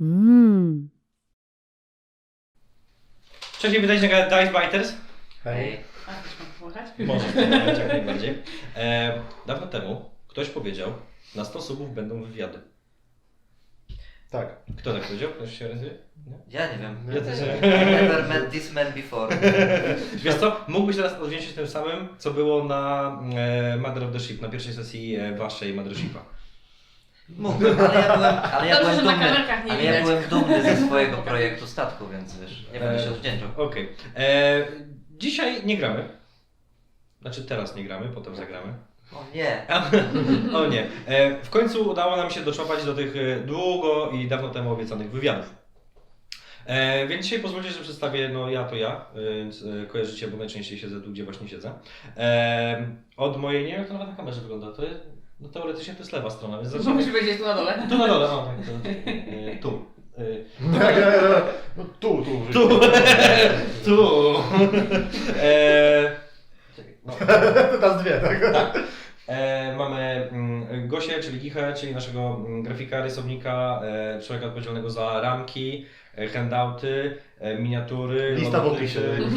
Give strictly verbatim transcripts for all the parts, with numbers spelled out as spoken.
Mm. Cześć, witajcie na kanale Dice Biters. Hej. A, też mam pomagać? Możesz pomagać, jak najbardziej. E, dawno temu ktoś powiedział, na sto subów będą wywiady. Tak. Kto tak powiedział? Ktoś się rysuje? Ja nie wiem. Ja też I never met this man before. Wiesz co, mógłbyś teraz odwdzięczyć tym samym, co było na e, Mother of the Ship, na pierwszej sesji e, waszej Mothershipa. Mógłbym, ale ja byłem, ale ja Dobrze, byłem że na dumny. kamerkach nie Ale ja widać. byłem dumny ze swojego projektu statku, więc wiesz, nie będę się odwdzięczał. Okej. Okay. Dzisiaj nie gramy. Znaczy teraz nie gramy, potem zagramy. O nie. O nie. E, w końcu udało nam się doczłapać do tych e, długo i dawno temu obiecanych wywiadów. E, więc dzisiaj pozwólcie, że przedstawię, no ja to ja, e, więc e, kojarzycie, bo najczęściej siedzę tu, gdzie właśnie siedzę. E, od mojej, nie wiem jak to nawet na kamerze wygląda, to jest, no teoretycznie to jest lewa strona, więc zacznijmy. Musi powiedzieć tu na dole. Tu na dole, o tak, to, e, tu. E, Tak, no tu, tu. tu, tu. E, czekaj, no. Teraz dwie, tak? Tak. E, mamy mm, Gosię, czyli Gichę, czyli naszego mm, grafika, rysownika, e, człowieka odpowiedzialnego za ramki, e, handouty, e, miniatury, Lista w logotypy,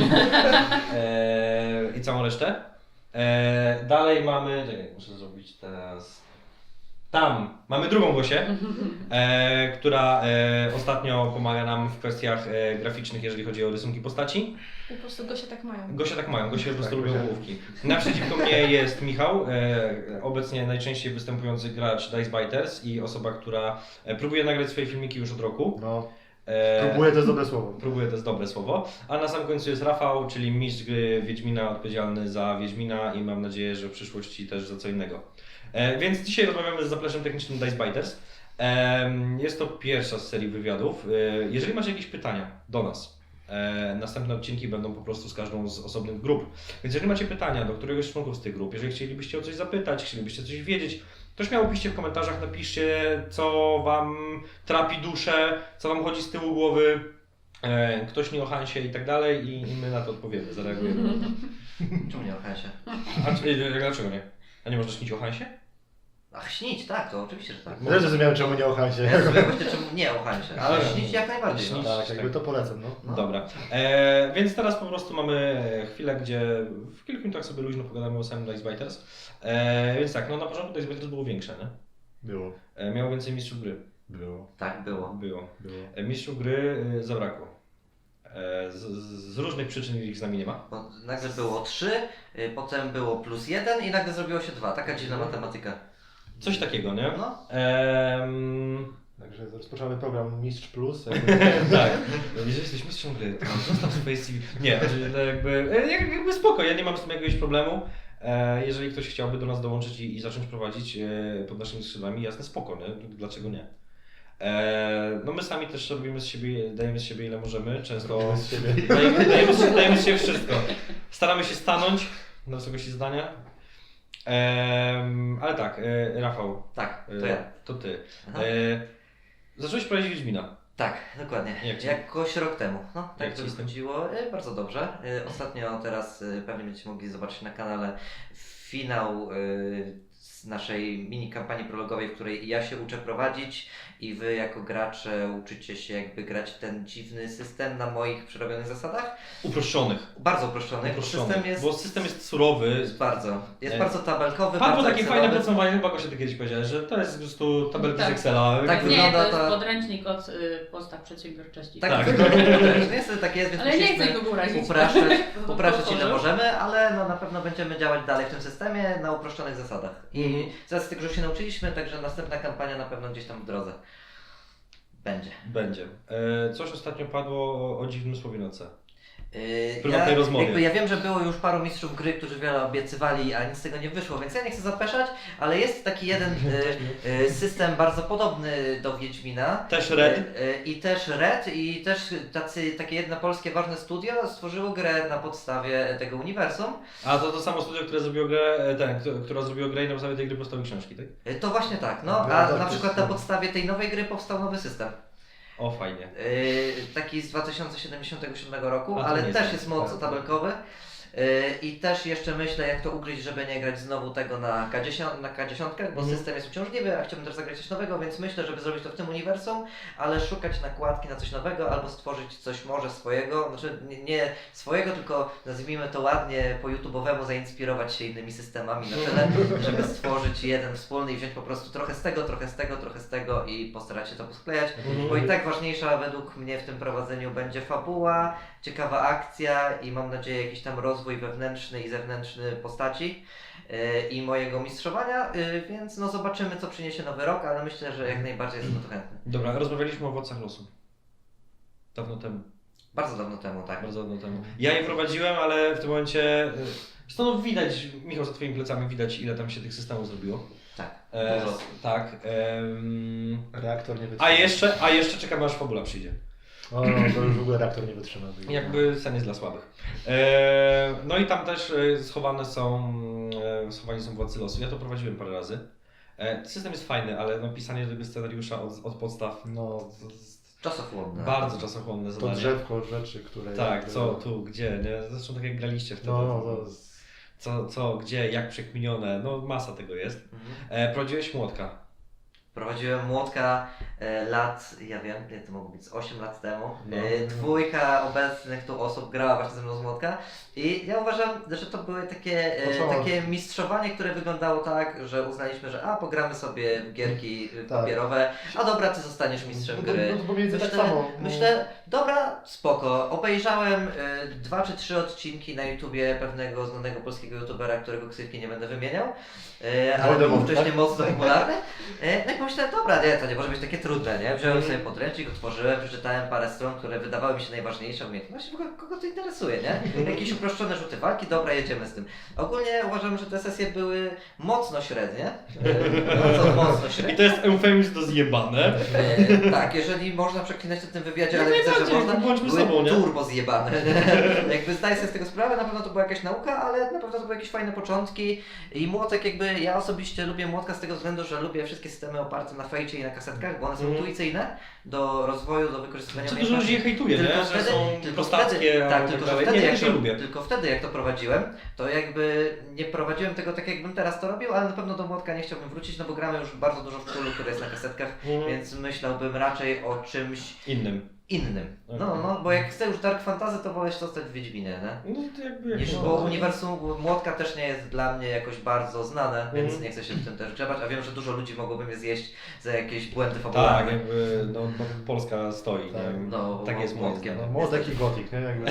e, i całą resztę. E, dalej mamy, czekaj, muszę zrobić teraz. Tam mamy drugą Gosię, e, która e, ostatnio pomaga nam w kwestiach e, graficznych, jeżeli chodzi o rysunki postaci. Po prostu Gosia tak mają. Gosia tak mają, Gosia po prostu Tak, lubią Gosia. główki. Naprzeciwko mnie jest Michał, e, obecnie najczęściej występujący gracz Dice Biters i osoba, która e, próbuje nagrać swoje filmiki już od roku. No, E, próbuję, to jest dobre słowo. Próbuję, to jest dobre słowo. A na sam końcu jest Rafał, czyli mistrz gry Wiedźmina, odpowiedzialny za Wiedźmina i mam nadzieję, że w przyszłości też za co innego. E, więc dzisiaj rozmawiamy z zapleczem technicznym Dice Biters. E, jest to pierwsza z serii wywiadów. E, jeżeli macie jakieś pytania do nas, e, następne odcinki będą po prostu z każdą z osobnych grup. Więc jeżeli macie pytania do któregoś z członków z tych grup, jeżeli chcielibyście o coś zapytać, chcielibyście coś wiedzieć, to śmiało piszcie w komentarzach, napiszcie, co wam trapi duszę, co wam chodzi z tyłu głowy, e, ktoś nie o Hansie i tak dalej i, i my na to odpowiemy, zareagujemy. Czemu nie o Hansie? A czy, e, dlaczego nie? A nie można śnić o Hansie? Ach, śnić, tak, to oczywiście, że tak. Też zrozumiałem, czemu nie o Hansie. Ja sobie właśnie czemu nie o Hansie, ale Ale- śnić jak najbardziej. No. Śnić. Tak, jakby to polecam, no. No. Dobra, e, więc teraz po prostu mamy chwilę, gdzie w kilku minutach sobie luźno pogadamy o samym Dice Biters. E, więc tak, no na początku Dice Biters było większe, nie? Było. E, miało więcej mistrzów gry. Było. Tak było. Było. Było. E, mistrzów gry e, zabrakło. E, z, z różnych przyczyn ich z nami nie ma. Bo nagle było trzy, y, potem było plus jeden i nagle zrobiło się dwa. Taka dziwna matematyka. Coś takiego, nie? No. Ehm, Także rozpoczynamy program Mistrz Plus. tak. Jeżeli jesteś mistrzem gry, to zostaw swoje C V. Nie, znaczy, to jakby, e, jak- jakby spoko, ja nie mam z tym jakiegoś problemu. E, jeżeli ktoś chciałby do nas dołączyć i, i zacząć prowadzić e, pod naszymi skrzydłami, jasne, spoko, nie? Dlaczego nie? E, no my sami też robimy z siebie, dajemy z siebie ile możemy, często Robimy z siebie. dajemy, dajemy, z, dajemy z siebie wszystko. Staramy się stanąć na wysokości zdania. Em, ale tak, e, Rafał, Tak, e, to ja. to ty. Aha. E, zacząłeś prowadzić Wiedźmina. Tak, dokładnie. Jak ci? Jakoś rok temu. No, Jak tak ci to z tym? wychodziło. E, Bardzo dobrze. E, Ostatnio teraz e, pewnie będziecie mogli zobaczyć na kanale finał e, z naszej mini kampanii prologowej, w której ja się uczę prowadzić i wy jako gracze uczycie się jakby grać w ten dziwny system na moich przerobionych zasadach. Uproszczonych. Bardzo uproszczonych, bo Uproszczonych, system jest, bo system jest surowy. jest bardzo, jest E, bardzo tabelkowy, Padło bardzo takie Excelowy. fajne podsumowanie, chyba Gosia ty kiedyś powiedziałeś, że to jest po prostu tabelki Tak. z Excela. Tak Nie, wygląda to jest ta- podręcznik od y, podstaw przedsiębiorczości. Tak, Tak. tak. Niestety tak jest, więc Ale nie musieliśmy chcę go urazić. upraszczać, To upraszczać ile otworzył. możemy, ale no, na pewno będziemy działać dalej w tym systemie na uproszczonych zasadach. I Mhm. zaraz tego już się nauczyliśmy, także następna kampania na pewno gdzieś tam w drodze będzie. Będzie. E, coś ostatnio padło o, o dziwnym słowie na C. Yy, W prywatnej rozmowie. Jakby ja wiem, że było już paru mistrzów gry, którzy wiele obiecywali, a nic z tego nie wyszło, więc ja nie chcę zapeszać, ale jest taki jeden y, y, system bardzo podobny do Wiedźmina. Też Red. Y, y, I też Red, i też tacy, takie jedno polskie ważne studio stworzyło grę na podstawie tego uniwersum. A to to samo studio, które zrobiło grę, e, ten, kto- która zrobiło grę i na podstawie tej gry powstały książki, tak? Y, To właśnie tak, no, No, a tak, na to przykład jest- na podstawie tej nowej gry powstał nowy system. O, fajnie. Yy, taki z dwa tysiące siedemdziesiątego siódmego roku, A to ale nie też znam. jest mocno Tak. tabelkowy. I też jeszcze myślę, jak to ugryźć, żeby nie grać znowu tego na K dziesięć, na K dziesięć, bo Mhm. system jest uciążliwy, a chciałbym też zagrać coś nowego, więc myślę, żeby zrobić to w tym uniwersum, ale szukać nakładki na coś nowego albo stworzyć coś może swojego, znaczy nie, nie swojego, tylko nazwijmy to ładnie po YouTube'owemu, zainspirować się innymi systemami na tyle, żeby stworzyć jeden wspólny i wziąć po prostu trochę z tego, trochę z tego, trochę z tego i postarać się to posklejać, Mhm. bo i tak ważniejsza według mnie w tym prowadzeniu będzie fabuła, ciekawa akcja i mam nadzieję jakiś tam rozwój wewnętrzny i zewnętrzny postaci yy, i mojego mistrzowania, yy, więc no zobaczymy, co przyniesie nowy rok, ale myślę, że jak najbardziej jestem na to chętny. Dobra, rozmawialiśmy o owocach losu. Dawno temu. Bardzo dawno temu, tak. Bardzo dawno temu. Ja je prowadziłem, ale w tym momencie... Stąd widać, Michał, za twoimi plecami widać, ile tam się tych systemów zrobiło. Tak, E, dużo. tak. em, Reaktor nie wytrzyma. a jeszcze, a jeszcze czekamy, aż fabula przyjdzie. O, to już w ogóle reaktor nie wytrzyma. Jakby sen jest dla słabych. E, no i tam też e, schowane są, e, schowani są władcy losu. Ja to prowadziłem parę razy. E, system jest fajny, ale no, pisanie tego scenariusza od, od podstaw No, z- Czasochłonne. bardzo czasochłonne to zadanie. drzewko rzeczy, które... Tak, jakby- co, tu, gdzie, nie? Zresztą tak jak graliście wtedy. No, no, to jest... Co, co, gdzie, jak przekminione, no masa tego jest. Mhm. E, prowadziłeś młotka. Prowadziłem młotka e, lat, ja wiem, ile to mogło być, z osiem lat temu. No. E, dwójka obecnych tu osób grała właśnie ze mną z młotka i ja uważam, że to były takie, e, Początek. takie mistrzowanie, które wyglądało tak, że uznaliśmy, że a pogramy sobie w gierki e, Tak. papierowe, a dobra, ty zostaniesz mistrzem No to- gry. no to pomiędzy tak Myślę, samo, no. myślę, dobra, spoko. Obejrzałem e, dwa czy trzy odcinki na YouTubie pewnego znanego polskiego youtubera, którego ksywki nie będę wymieniał, e, ale był Voldemort, wcześniej tak? mocno popularny. E, no i pomyślałem, dobra, nie, to nie może być takie trudne, nie? Wziąłem Mhm. sobie podręcznik, otworzyłem, przeczytałem parę stron, które wydawały mi się najważniejsze umiejętności. W ogóle kogo to interesuje, nie? Jakieś uproszczone rzuty walki, dobra, jedziemy z tym. Ogólnie uważam, że te sesje były mocno średnie. E, Bardzo mocno I średnie. to jest eufemizm do zjebane. E, tak, jeżeli można przeklinać to w tym wywiadzie, ale Jak widzę, że najbardziej, można. bądźmy Były sobą, nie? turbo zjebane. Jakby zdaję sobie z tego sprawę, na pewno to była jakaś nauka, ale na pewno to były jakieś fajne początki. I młotek jakby, ja osobiście lubię młotka z tego względu, że lubię wszystkie systemy oparte na fejcie i na kasetkach, bo one są Mhm. intuicyjne do rozwoju, do wykorzystywania Co dużo ludzi je hejtuje, nie? Że są tylko prostackie, wtedy, tak, albo tylko, tak że dalej. wtedy, Nie, jak też to, je lubię. tylko wtedy jak to prowadziłem, to jakby nie prowadziłem tego tak jakbym teraz to robił, ale na pewno do młotka nie chciałbym wrócić, no bo gramy już bardzo dużo w Cthulhu, które jest na kasetkach, Mhm. więc myślałbym raczej o czymś Innym. innym. No, Okej. no, bo jak chcę już Dark Fantasy, to wolę się zostać w Wiedźminie, nie? No to jakby... jak Niż, no, bo to- uniwersum Młotka też nie jest dla mnie jakoś bardzo znane, więc Mhm. nie chcę się w tym też grzebać, a wiem, że dużo ludzi mogłoby mnie zjeść za jakieś błędy Tak, fabularne. jakby no, no, Polska stoi. Tak, nie? no, tak jest moim młotkiem. zdaniem. No, młodek i gotik, nie? Jakby...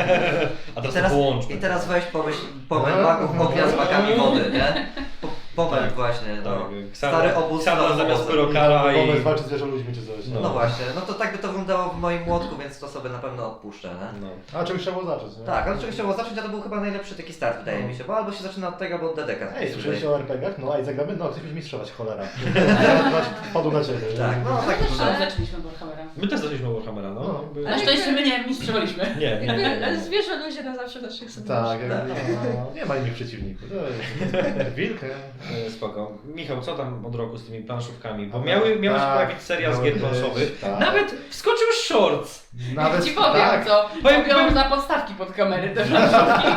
A I teraz, teraz, to połączmy. I teraz weź pomyśl, pomyśl magów ognia z makami wody, nie? Po, pomyśl Tak, właśnie, no. Tak, Stary obóz Ksandra na zamiast obozem. pyrokara i... Pomysł walczy z zwierzę ludźmi czy coś. No. No właśnie, no to tak by to wyglądało w moim młotku, więc to sobie na pewno odpuszczę, nie? No. A czegoś trzeba było zacząć, nie? Tak, ale czegoś trzeba było zacząć, a to był chyba najlepszy taki start, wydaje No. mi się, bo albo się zaczyna od tego, albo od D D K. Ej, słyszeliście o er pe gie ach? No, a i zagramy? No, chcesz mieć mistrzować, cholera. Ja wpadł na ciebie. nie? Tak, no tak Ale wygląda. zaczęliśmy Warhammera. My też zaczęliśmy Warhammera, no. No. Jakby... Na szczęście my nie mistrzowaliśmy. Nie, nie, nie, nie, nie. Zwierzę ludzie na zawsze w naszych Tak, serduszach. jakby, no, nie ma innych przeciwników. To jest wilk, nie? E, Spoko. Michał, co tam od roku z tymi planszówkami? Bo A, miały, miała się tak, pojawić seria z miały gier być, planszowych. tak. Nawet wskoczył shorts! Nawet Ci powiem tak. co, Powiem- robią powiem- na podstawki pod kamery te planszówki.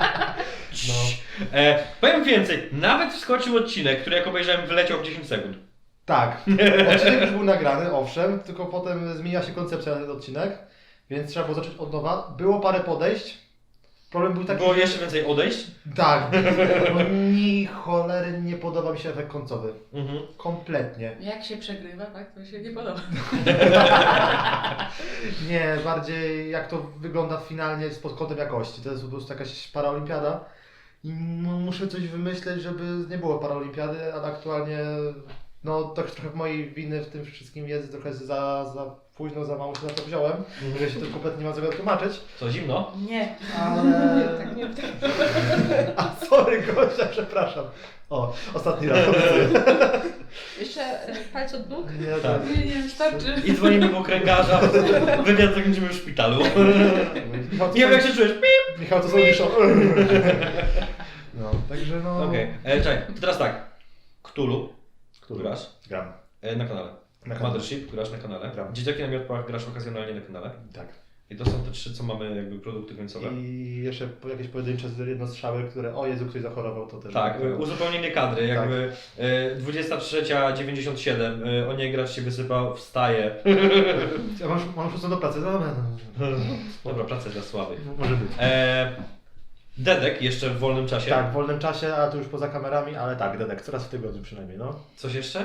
No. E, powiem więcej, nawet wskoczył odcinek, który jak obejrzałem wyleciał w dziesięć sekund. Tak. Odcinek już był nagrany, owszem, tylko potem zmienia się koncepcja na ten odcinek, więc trzeba było zacząć od nowa. Było parę podejść. Problem był taki, Było że- jeszcze więcej odejść. Tak. Bo ni cholery nie podoba mi się efekt końcowy. Mhm. Kompletnie. Jak się przegrywa, tak, to się nie podoba. Nie, bardziej jak to wygląda finalnie pod kątem jakości. To jest po prostu jakaś paraolimpiada. I no, muszę coś wymyśleć, żeby nie było paraolimpiady, ale aktualnie no to trochę w mojej winy w tym wszystkim jest, trochę za, za późno, za mało się na to wziąłem, że się to kompletnie nie ma czego tłumaczyć, Co, zimno? Nie. ale... Tak, nie, tak. A sorry Gosia, przepraszam. O, ostatni raz. Jeszcze e, palce od nóg? Nie, Tak. Nie, nie, wystarczy. I dzwonimy po kręgarza, wywiad zakończymy w szpitalu. Michał, to Nie wiem są- jak się czujesz? Pip! Michał, to są niszą. No, także no... Okej, okay. Czekaj, to teraz tak. Cthulhu, który grasz Gram. e, na kanale. Na kanale. Mothership, grasz na kanale. Gram. Dzieciaki na miotłach grasz okazjonalnie na kanale. Tak. I to są te trzy, co mamy jakby produkty końcowe. I jeszcze po- jakieś pojedyncze jednostrzały, które o Jezu, ktoś zachorował, to też. Tak, y, uzupełnienie kadry, jakby y, dwudziesta trzecia dziewięćdziesiąt siedem, y, o niej gracz się wysypał, wstaje. Ja mam, mam szóstą do pracy, no, no, no. Dobra, praca dla słabych. Może być. E, Dedek jeszcze w wolnym czasie. Tak, w wolnym czasie, a to już poza kamerami, ale tak, Dedek, coraz w tygodniu przynajmniej, no. Coś jeszcze?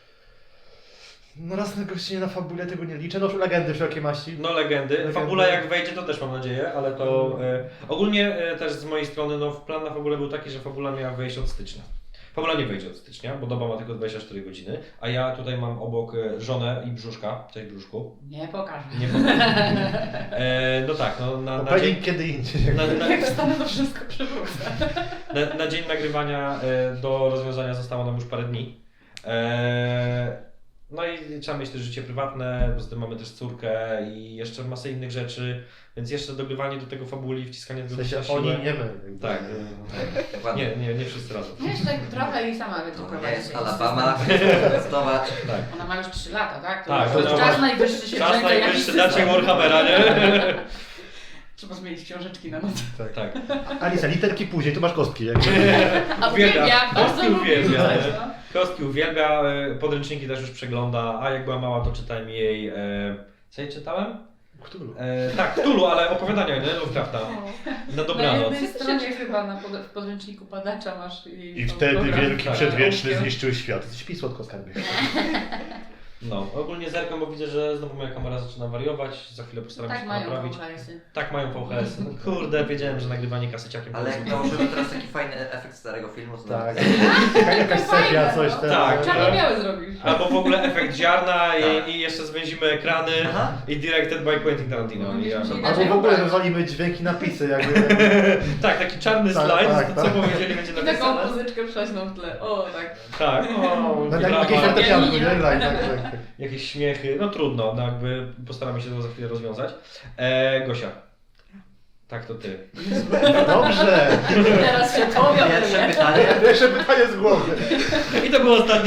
No raz na gościnie na fabule tego nie liczę, no już legendy wszelkie maści. No legendy. Legendy. Fabula jak wejdzie, to też mam nadzieję, ale to e, ogólnie e, też z mojej strony no, plan na fabulę był taki, że fabula miała wejść od stycznia. Fabula nie wejdzie od stycznia, bo doba ma tylko dwadzieścia cztery godziny, a ja tutaj mam obok e, żonę i brzuszka. Cześć brzuszku. Nie pokażę. Nie powiem. E, no tak, no na, na, dzień, Opening kiedy indziej. na, na, Jak wstanę, to wszystko przywrócę. na, na dzień nagrywania e, do rozwiązania zostało nam już parę dni. E, No i trzeba mieć też życie prywatne, poza tym mamy też córkę i jeszcze masę innych rzeczy, więc jeszcze dogrywanie do tego fabuli, wciskanie W tego sensie na siłę. oni, nie my. Tak. Dokładnie. Nie, nie, nie wszyscy razem. No jeszcze tak trochę i sama będzie To nie prowadzić. jest jakiś Alabama, system. testować. Tak. Ona ma już trzy lata, tak? To Tak, to ona jest ma- czas najwyższy się Czas wziąć za jakiś najwyższy system. dacie Warhammera, nie? Trzeba zmienić książeczki na noc. Tak. Tak. Alisa, literki później, tu masz kostki. Jak... A Uwielbia. uwielbia, bardzo Kostki lubię. uwielbia, tak, nie? no. Kostki uwielbia, e, podręczniki też już przegląda, a jak była mała to czytałem jej... E, co jej czytałem? Cthulhu. E, tak, Cthulhu, ale opowiadania, nie? Lovecrafta. Na Na dobranoc. jednej stronie chyba na pod, w podręczniku padacza masz jej I tam wtedy program. wielki tak. przedwieczny zniszczył świat. Śpi słodko, skarbie. No, ogólnie zerkam, bo widzę, że znowu moja kamera zaczyna wariować, za chwilę postaram się Tak to mają naprawić. V H S-y. Tak mają V H S. No, kurde, wiedziałem, że nagrywanie kasyciakiem Ale to jak jest... nałożymy teraz taki fajny efekt starego filmu, to Tak. nawet- Jakaś sepia, coś no. tam. Tak. Czarno-białe zrobisz. Albo w ogóle efekt ziarna Tak. i, i jeszcze zwęzimy ekrany Aha. i directed by Quentin Tarantino. No, I ja, myślę, że Albo w ogóle wywalimy dźwięki, napisy, jakby. tak, taki czarny Tak, slajd, tak, co tak. powiedzieli będzie I taką napisane. muzyczkę prześną w tle. O, tak. Tak, o, No, jak brawa, jakieś fortepianku, nie? nie. Tak, tak, tak. jakieś śmiechy, no trudno, no jakby postaramy się to za chwilę rozwiązać. E, Gosia. Tak, to ty. Dobrze. Teraz się to Pierwsze pytanie. Jeszcze pytanie z głowy. I to było ostatnie.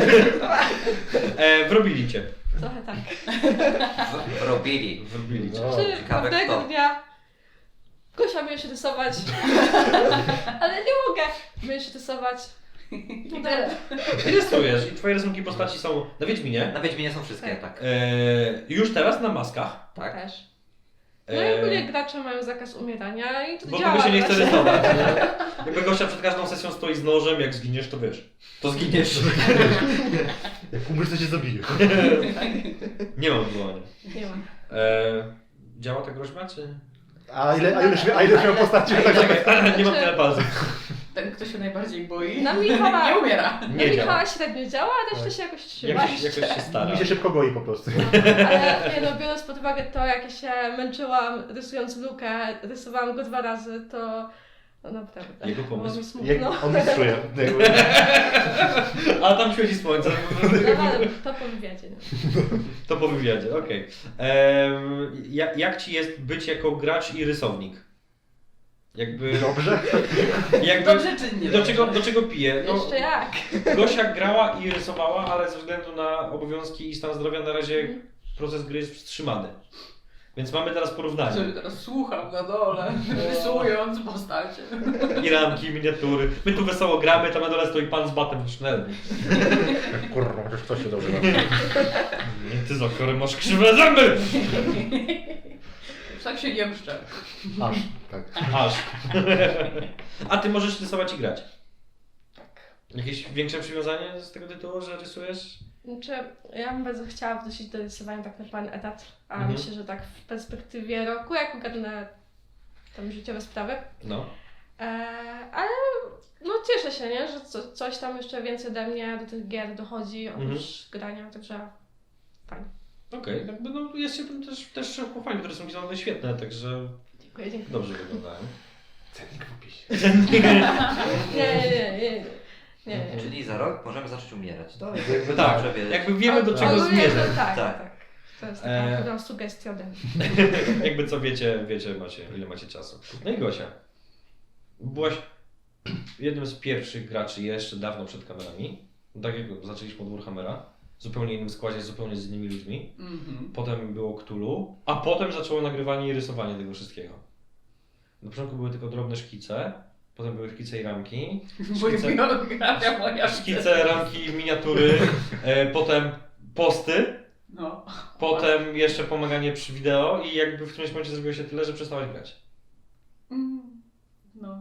e, wrobili cię. Trochę tak. W- Robili. Wrobili cię. No. Czy ciekawe pewnego kto. dnia Gosia mnie się rysować, ale nie mogę mnie się rysować. I tyle. Rysujesz i twoje rysunki postaci są na Wiedźminie. Na Wiedźminie są wszystkie, tak. E, już teraz na maskach. Tak. Też. No i E, ogólnie gracze mają zakaz umierania i to Bo działa. kogo się nie chce właśnie. rysować. Nie? Jakby Gosia przed każdą sesją stoi z nożem, jak zginiesz, to wiesz. To zginiesz. Jak umrzesz, to cię zabiję. Nie mam odwołania. Nie ma. E, działa ta groźba, czy... A ile, a ile, a ile miał postaci? Tak, Czekaj, nie mam tyle palców. Ten, kto się najbardziej boi, Na Michała- nie umiera. Na Nie działa. Michała średnio działa, a reszta Tak. się jakoś trzyma. Jakoś, jakoś się stara. Mi się szybko goi po prostu. Ale nie no, biorąc pod uwagę to, jak ja się męczyłam rysując Lukę, rysowałam go dwa razy, to no naprawdę. Jego było pomysł. mi smutno. Jak on mistrzuje. A tam świeci słońce. No, ale to po wywiadzie. No. To po wywiadzie, okej. Em, jak, jak ci jest być jako gracz i rysownik? Jakby... Dobrze? jakby Dobrze czy nie? do, czego, do czego piję? No, Jeszcze jak? Gosia grała i rysowała, ale ze względu na obowiązki i stan zdrowia na razie proces gry jest wstrzymany. Więc mamy teraz porównanie. Sobie teraz słucham na dole, rysując postacie. I ramki, miniatury. My tu wesoło gramy, tam na dole stoi pan z batem sznelny. Kurwa, chociaż ktoś się dobrze bawi. Nie, ty za chore masz krzywe zęby! Tak się jemszczę. Aż, tak. Aż. A ty możesz rysować i grać. Jakieś większe przywiązanie z tego tytułu, że rysujesz? Znaczy, ja bym bardzo chciała wrócić do rysowania tak na pełen etat, a Mhm. myślę, że tak w perspektywie roku, jak ogarnę tam życiowe sprawy. No. E, ale no cieszę się, nie? Że co, coś tam jeszcze więcej ode mnie do tych gier dochodzi oprócz Mhm. grania, także fajnie. Okej, okay. Jakby no jest się tym też, też pochwalić, te rysunki są one świetne, także Dziękuję, dziękuję. dobrze wyglądają. Cennik w opisie. Nie, nie, nie, nie, nie, nie. Czyli za rok możemy zacząć umierać. To jest Jakby jakby tak, dobrze wiedzieć. jakby wiemy do O- czego ogólnie to zmierzać. Tak, Tak. tak. To jest taka E, chyba sugestia ode mnie. Jakby co wiecie, wiecie macie, ile macie czasu. No i Gosia. Byłaś jednym z pierwszych graczy jeszcze dawno przed kamerami. Tak jak zaczęliśmy od Warhammera. zupełnie innym składzie, zupełnie z innymi ludźmi. Mhm. Potem było Cthulhu, a potem zaczęło nagrywanie i rysowanie tego wszystkiego. Na początku były tylko drobne szkice, potem były szkice i ramki. Bo Szkice, biografia moja. szkice ramki, miniatury, e, potem posty, No. potem jeszcze pomaganie przy wideo i jakby w którymś momencie zrobiło się tyle, że przestałeś grać. Mm, No.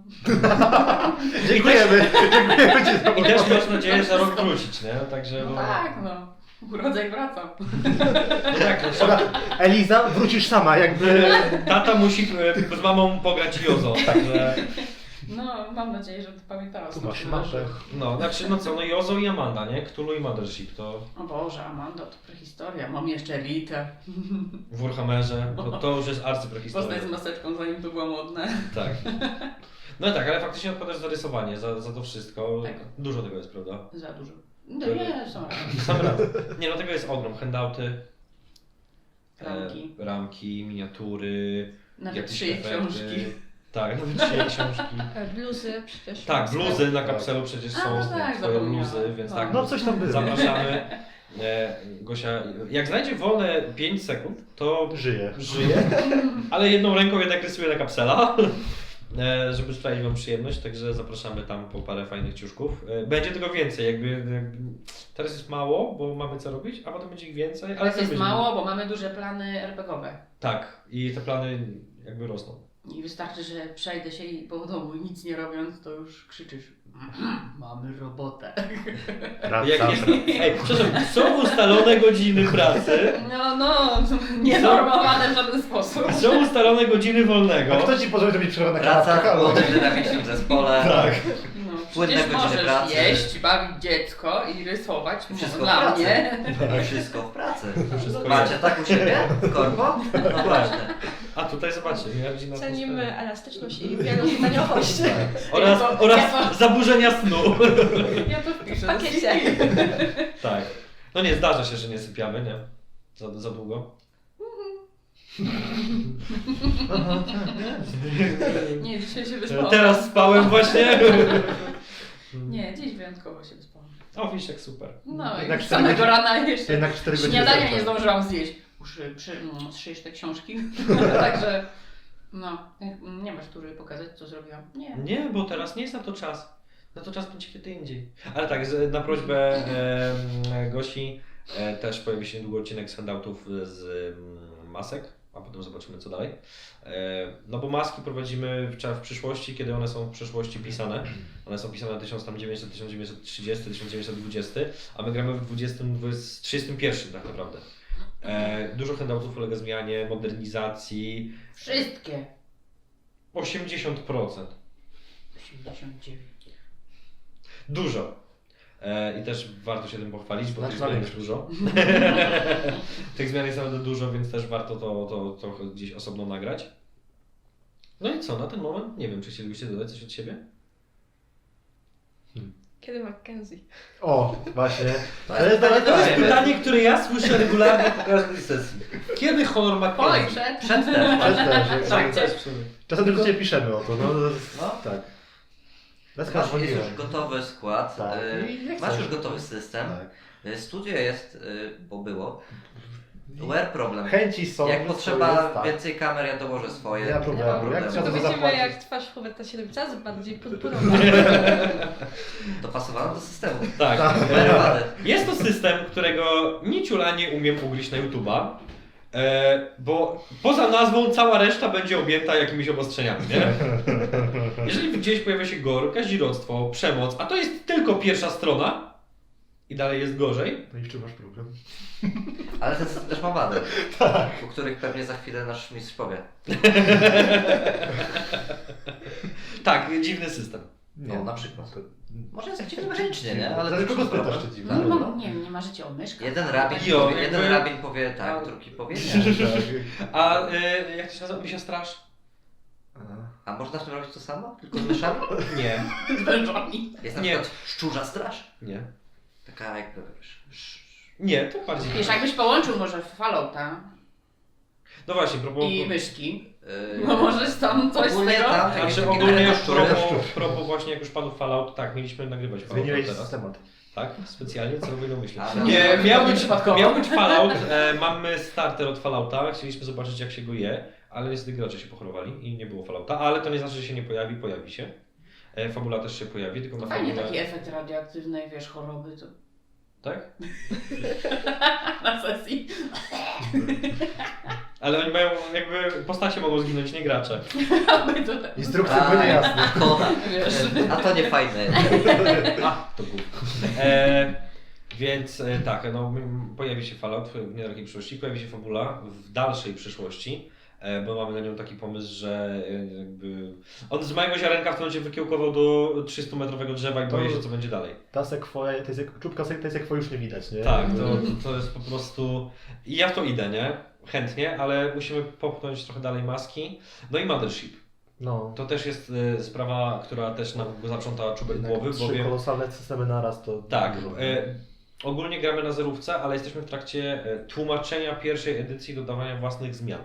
Dziękujemy. Dziękujemy Ci za I też pomoc. masz nadzieję za rok wrócić, nie? Także No bo- tak, no. Urodzaj wraca. No tak, no, Dobra, Eliza, wrócisz sama, jakby... tata musi e, z mamą pograć Jozo, także No, mam nadzieję, że to pamiętała. Tu masz mapę. no, znaczy no co, no Jozo i Amanda, nie? Cthulhu i Mothership to O Boże, Amanda, to prehistoria. Mam jeszcze elitę. w Warhammerze, to, to już jest arcyprehistoria. Postać z maseczką, zanim to było modne. Tak. No tak, ale faktycznie odpowiadasz za rysowanie, za, za to wszystko. Tak. Dużo tego jest, prawda? Za dużo. No nie, są Sam raz. Nie no, tego jest ogrom. Handouty, ramki. e, ramki, miniatury, Nawet jakieś trzy efekty. książki. Tak, nawet trzy książki. E, Bluzy przecież. Tak, bluzy na kapselu przecież A, są no tak, twoje zapomniałam. bluzy, więc No. tak. No coś tam było. Zapraszamy. E, Gosia, jak znajdzie wolne pięć sekund, to Żyje. żyje, ale jedną ręką jednak rysuje na kapsela, e, żeby sprawić wam przyjemność, także zapraszamy tam po parę fajnych ciuszków. E, Będzie tego więcej, jakby, jakby teraz jest mało, bo mamy co robić, a potem będzie ich więcej, ale Ale to też jest będzie- mało, bo mamy duże plany er pe gie owe. Tak, i te plany jakby rosną. I wystarczy, że przejdę się i po domu i nic nie robiąc, to już krzyczysz. Mamy robotę. Raz, Jak raz, jest, raz. ej, przepraszam, są ustalone godziny pracy, No, no, nienormowane w żaden sposób. są ustalone godziny A wolnego. kto Ci pozwoli robić przerwę na Praca kanapkach? w Albo... młodym, dynamicznym zespole. Tak. No, Płynne przecież godziny możesz pracy. jeść, bawić dziecko i rysować. Wszystko Dla w pracy. mnie. Wszystko w pracy. Wszystko Macie jest. tak u siebie? W korpo? No właśnie. A tutaj zobaczcie, moja rodzina Cenimy elastyczność i wielozadaniowość. oraz, Ja to- oraz ja to- zaburzenia snu. Ja to wpiszę. W pakiecie. Tak. No nie, zdarza się, że nie sypiamy, nie? Za, za długo. Aha, tak, jest. Nie, dzisiaj się wyspałam. Teraz spałem właśnie. Nie, dziś wyjątkowo się wyspałam. O, wiesz jak super. No Jednak i cztery samego godziny- rana jeszcze Jednak cztery godziny. śniadania zajęte. nie zdążyłam zjeść. Muszę przy, mm, zszyjesz te książki. Także, no, nie masz tu, żeby pokazać, co zrobiłam. Nie. Nie, bo teraz nie jest na to czas. Na to czas będzie kiedy indziej. Ale tak, z- na prośbę em, Gosi e, też pojawi się niedługo odcinek z handoutów z em, masek, a potem zobaczymy co dalej. E, no bo maski prowadzimy w, cza- w przyszłości, kiedy one są w przeszłości pisane. One są pisane tysiąc dziewięćset, tysiąc dziewięćset trzydziesty, tysiąc dziewięćset dwudziesty, a my gramy w dwudziestym, trzydziestym pierwszym tak naprawdę. E, dużo handoutów ulega zmianie, modernizacji. Wszystkie. osiemdziesiąt procent. osiemdziesiąt dziewięć. Dużo. E, I też warto się tym pochwalić, bo tych Znacznie zmian jest więcej. dużo. Tych zmian jest naprawdę dużo, więc też warto to, to trochę gdzieś osobno nagrać. No i co, na ten moment? Nie wiem, czy chcielibyście dodać coś od siebie? Kiedy Mackenzie? O, właśnie. To Ale jest to- pytanie To jest fajne. pytanie, które ja słyszę regularnie po każdej sesji. Kiedy honor Oj, Mackenzie? przed. Przed też. Też, też, Tak, jak- też w sumie. Czasem tylko Cię piszemy o to, no. to jest- No. Tak. Bez Masz, jest dzwoniłem. już gotowy skład. Tak. y, I jak Masz chcesz. już gotowy system. Tak. Y, Studio jest, y, bo było. Where problem. Chęci są. Jak swoje, potrzeba tak. więcej kamer, ja dołożę swoje. Nie ma problemu. Jak problemu. trzeba To to widzimy zapłacić. jak twarz Huberta się robi coraz bardziej purpurowa. Dopasowano do systemu. Tak. Bez E, wady. jest to system, którego ni ciula nie umiem ugryźć na YouTube'a. E, bo poza nazwą cała reszta będzie objęta jakimiś obostrzeniami, nie? Jeżeli gdzieś pojawia się gore, kazirodztwo, przemoc, a to jest tylko pierwsza strona i dalej jest gorzej, No i w czym masz problem? Ale ten system też ma wady. Tak. O których pewnie za chwilę nasz mistrz powie. tak, dziwny system. No, na przykład. To- Może jest dziwny mechanicznie, nie? Ale Zależy to kogo jest spytasz, problem. czy No, dziwne. no, nie, nie marzycie o myszkach. Jeden rabin, Jo, powie, jeden jakby- rabin powie tak, A- drugi powie nie. Tak. A e, jak to się nazywa? Misia straż? A można w tym robić to samo? Tylko z myszami? Nie. Z wężami. Jest na Nie. przykład szczurza straż. Nie. Taka jakby, wiesz, sz- Nie, to bardziej. Wiesz, jakbyś połączył może Fallouta No właśnie, propos... i myszki, Yy, no możesz tam coś z ogólnie tego... tam- Znaczy Takie ogólnie szczury. propos, propos właśnie jak już padł Fallout, tak, mieliśmy nagrywać Fallout Zmieniłeś teraz. temat. Tak? Specjalnie celowo ją myślę. Ale- Nie, miał być, Przypadkowo. miał być Fallout. E, mamy starter od Fallouta. Chcieliśmy zobaczyć, jak się go je, ale niestety gracze się pochorowali i nie było Fallouta. Ale to nie znaczy, że się nie pojawi, pojawi się. E, fabula też się pojawi, tylko na Fajnie fabule... taki efekt radioaktywnej, wiesz, choroby to Tak? na sesji. Ale oni mają, jakby postacie mogą zginąć, nie gracze. Aby to Instrukcje były niejasne. to, wiesz. a to nie fajne. A, to głup. E, więc e, tak, no, m, pojawi się Fallout w niedalekiej przyszłości, pojawi się fabula w dalszej przyszłości, e, bo mamy na nią taki pomysł, że e, jakby on z mojego ziarenka w tym momencie wykiełkował do trzystumetrowego drzewa i boję się, co będzie dalej. Ta sekwoja, to jest jak, czubka sek- to jest jak już nie widać, nie? Tak, to, to jest po prostu... I ja w to idę, nie? Chętnie, ale musimy popchnąć trochę dalej maski. No i Mothership. No. To też jest e, sprawa, która też nam go zaprząta czubek Jednak głowy, trzy bowiem... kolosalne systemy naraz to... Tak, dużo. e, ogólnie gramy na zerówce, ale jesteśmy w trakcie e, tłumaczenia pierwszej edycji, dodawania własnych zmian.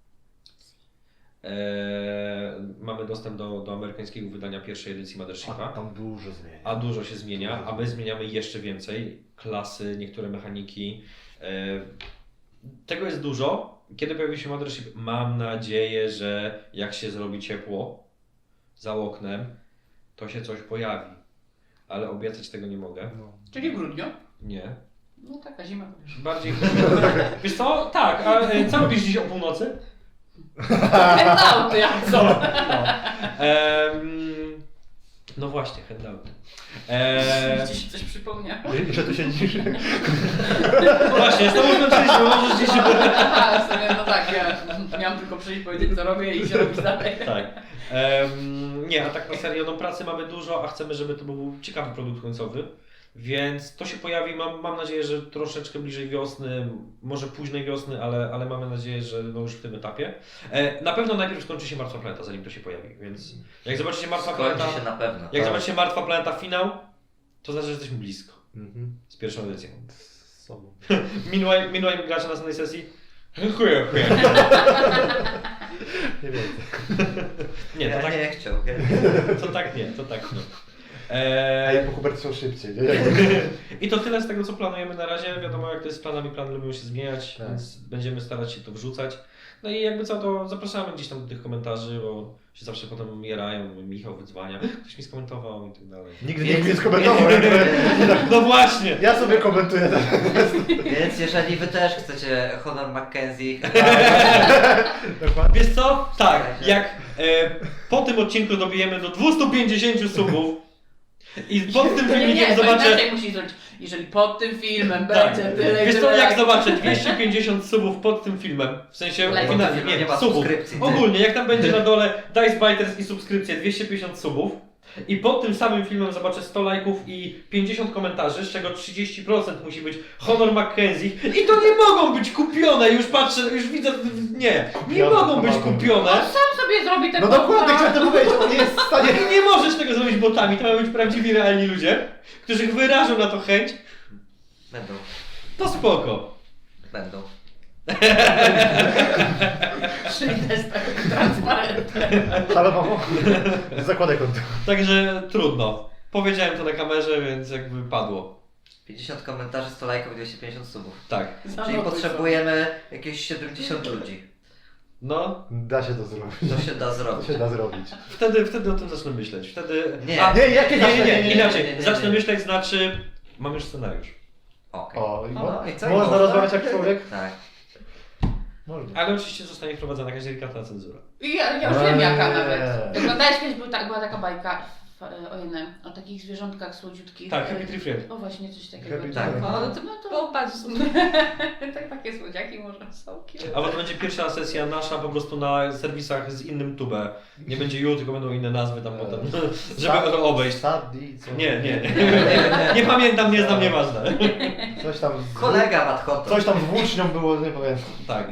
E, mamy dostęp do, do amerykańskiego wydania pierwszej edycji A Mothershipa, tam dużo zmienia. a dużo się zmienia, a my zmieniamy jeszcze więcej. Klasy, niektóre mechaniki. E, tego jest dużo. Kiedy pojawi się Mothership, mam nadzieję, że jak się zrobi ciepło za oknem, to się coś pojawi. Ale obiecać tego nie mogę. No. Czyli w grudniu. Nie. No taka zima, wiesz. Bardziej. Wiesz co? Tak, a e, co robisz dziś o północy? Handouty, jak co? Em, no właśnie, handouty. Eee, Ci się coś przypomniało. I że tu siedzisz? właśnie, z tobą skończyliśmy, możesz dziś. Aha, w sumie, no tak, ja miałam tylko przyjść, powiedzieć co robię i się robić dalej. Tak. Em, nie, a tak na serio, no pracy mamy dużo, a chcemy, żeby to był ciekawy produkt końcowy. Więc to się pojawi, mam, mam nadzieję, że troszeczkę bliżej wiosny, może późnej wiosny, ale, ale mamy nadzieję, że no już w tym etapie. E, na pewno najpierw skończy się Martwa Planeta, zanim to się pojawi, więc jak zobaczycie Martwa Skończy Planeta, się na pewno. jak Tak. zobaczycie Martwa Planeta finał, to znaczy, że jesteśmy blisko Mhm. z pierwszą edycją. Z sobą. Meanwhile, meanwhile gracze na następnej sesji, chuję, chuję. Nie wiem. Nie, to ja tak, nie chciał. to tak nie, to tak nie. Ej, Eee, bo Hubert są szybciej, nie? I to tyle z tego, co planujemy na razie. Wiadomo, jak to jest z planami, plany lubią się zmieniać, Tak. więc będziemy starać się to wrzucać. No i jakby co, to zapraszamy gdzieś tam do tych komentarzy, bo się zawsze potem jarają, Michał wydzwania, ktoś mi skomentował i tak dalej. Nigdy nikt nie skomentował. jakby. No właśnie! Ja sobie komentuję teraz. Więc jeżeli wy też chcecie Honor Mackenzie, Dokładnie. Wiesz co? Tak, jak e, po tym odcinku dobijemy do dwieście pięćdziesiąt subów i pod tym Nie, nie, filmikiem to zobaczę... inaczej musisz zrobić. Jeżeli pod tym filmem Tak. będzie tyle i Wiesz co, tyle jak lajków. zobaczę dwieście pięćdziesiąt subów pod tym filmem, w sensie Lajków. finalnie, Pod tym filmem nie, nie ma subów, subskrypcji, ty. ogólnie, jak tam będzie na dole Dice Biters i subskrypcje dwieście pięćdziesiąt subów i pod tym samym filmem zobaczę sto lajków i pięćdziesiąt komentarzy, z czego trzydzieści procent musi być Honor Mackenzie i to nie mogą być kupione, już patrzę, już widzę, nie, nie Kupione, mogą być pomagam. kupione. On sam sobie zrobi te No dokładnie, chciałem to powiedzieć, on nie jest w stanie... Nie, nie możesz tego zrobić botami, to mają być prawdziwi, realni ludzie, którzy wyrażą na to chęć, będą, to spoko. będą. Przyjdę z takim transparentem. Halo mamo? Zakładaj konto. Także trudno. Powiedziałem to na kamerze, więc jakby padło. pięćdziesiąt komentarzy, sto lajków i dwieście pięćdziesiąt subów. Tak. Czyli Zanotuj potrzebujemy jakieś siedemdziesiąt ludzi. No, Da się to zrobić. To się da To zrobić. się da zrobić. wtedy, wtedy o tym zacznę myśleć. Wtedy. Nie. A, Nie, jakie nie, nie, nie, nie, nie, inaczej. nie, nie, nie. Zacznę myśleć, znaczy. Mam już scenariusz. Okej. O, i No, mo- i co? można Można? rozmawiać jak człowiek? Tak. Można. Ale oczywiście zostanie wprowadzona jakaś delikatna cenzura. I Ja, ja już wiem jaka Eee. nawet. Oglądałeś kiedyś, był tak, była taka bajka w, o jednym, o takich zwierzątkach słodziutkich. Tak, Happy Tree Friend. O właśnie, coś takiego. Happy Tak. Tree. O, No no to, to, no to to bardzo tak, takie słodziaki może są. A bo to będzie pierwsza sesja nasza po prostu na serwisach z innym tube. Nie będzie you, tylko będą inne nazwy tam potem, żeby to obejść. Saddi, co? Nie, nie. Nie pamiętam, nie znam, nieważne. Coś tam z... Kolega Madhotto. Coś tam z włócznią było, nie pamiętam. Tak.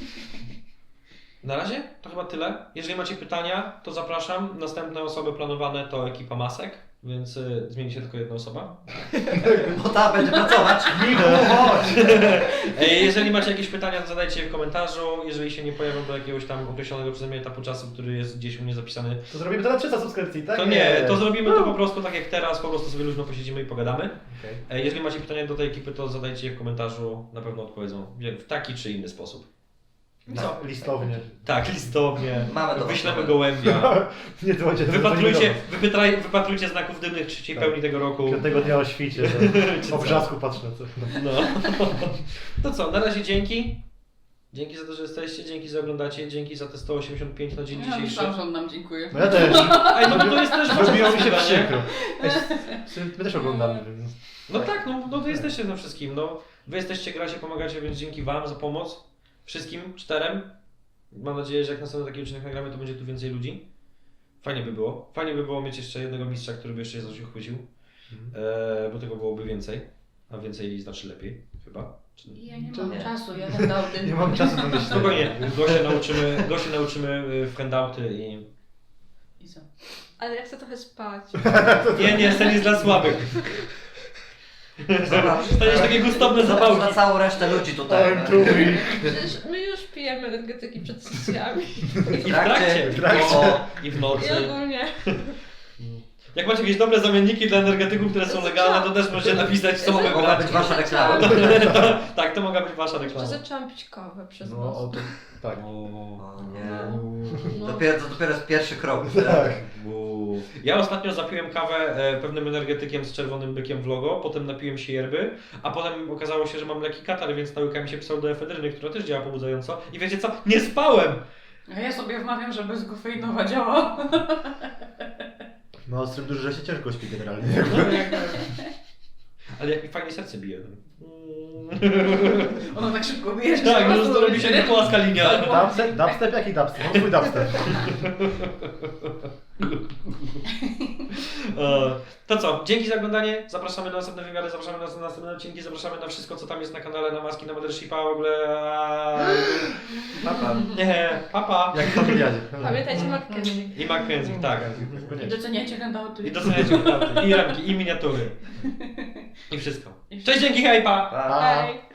Na razie to chyba tyle. Jeżeli macie pytania, to zapraszam. Następne osoby planowane to ekipa masek. więc y, zmieni się tylko jedna osoba. Bo ta będzie pracować. Michu, chodź! E, jeżeli macie jakieś pytania, to zadajcie je w komentarzu. Jeżeli się nie pojawią do jakiegoś tam określonego przeze mnie etapu czasu, który jest gdzieś u mnie zapisany, To zrobimy to na trzysta subskrypcji, tak? to nie, to zrobimy to po prostu tak jak teraz, po prostu sobie luźno posiedzimy i pogadamy. Okej. E, jeżeli macie pytania do tej ekipy, to zadajcie je w komentarzu, na pewno odpowiedzą w taki czy inny sposób. Co? Listownie. Tak, listownie, Mamy to. wyślemy gołębia. Nie to będzie Wypatrujcie, wypytraj, wypatrujcie znaków dymnych trzeciej Tak. pełni tego roku. Piątego dnia o świcie, Czy że o co? brzasku patrzę na co. No. To co, na razie dzięki. Dzięki za to, że jesteście, dzięki za oglądacie, dzięki za te sto osiemdziesiąt pięć na dzień Ja dzisiejszy. myślałam, że on nam dziękuję. No ja też. Ej, no bo to jest też wasza Zrobiło mi się zasługa, nie? przykro. Ej, My też oglądamy, więc... No tak, no, no to jesteście na wszystkim. No, wy jesteście, gracie, pomagacie, więc dzięki wam za pomoc. Wszystkim czterem. Mam nadzieję, że jak następny taki odcinek nagramy, to będzie tu więcej ludzi. Fajnie by było. Fajnie by było mieć jeszcze jednego mistrza, który by jeszcze się coś uchwycił. E, bo tego byłoby więcej. A więcej znaczy lepiej, chyba. Czy... Ja nie To mam nie. czasu, ja handouty. Nie mam czasu na myślenie. Spokojnie, go się nauczymy, go się nauczymy y, w handouty i... I co? Ale ja chcę trochę spać. Nie, nie, sen jest dla słabych. Zobacz, Staniesz takie gustowne zobacz zapałki. na całą resztę ludzi tutaj. I'm too weak. Przecież my już pijemy energetyki przed sesjami. I w trakcie. W trakcie. O, I w nocy. I ogólnie. Jak macie jakieś dobre zamienniki dla energetyków, które są legalne, to też możecie napisać, co mamy Mogła brać. być wasza reklama. To, tak, to mogła być wasza Jeszcze reklama. zaczęłam pić kawę przez No, nos. o to... Tak. O nie. No. Dopiero, to dopiero jest pierwszy krok. Tak. Buu. Ja ostatnio zapiłem kawę e, pewnym energetykiem z czerwonym bykiem w logo, potem napiłem się yerby, a potem okazało się, że mam leki katar, więc nałykałem się pseudoefedryny, która też działa pobudzająco. I wiecie co? Nie spałem! A ja sobie wmawiam, że bezkofeinowa działa. No, ostrym dużo, że się ciężko śpi generalnie. Ale jak mi fajnie serce bije. Ona tak szybko bije, że Tak, się już po to prostu robi się niepłaska linia. Dubstep? Dubstep? Jaki dubstep? Mam swój dubstep. E, To co, dzięki za oglądanie, zapraszamy na następne wywiady, zapraszamy na następne odcinki, zapraszamy na wszystko, co tam jest na kanale, na maski, na Mothershipa, w ogóle... Papa. Nie, papa. Jak w familiadzie. Pamiętajcie Mackenzie. I Mackenzie, tak. I doceniajcie handouty. I doceniajcie naprawdę. I ramki, i miniatury. I wszystko. Cześć, dzięki, hej, pa! Pa. Hej!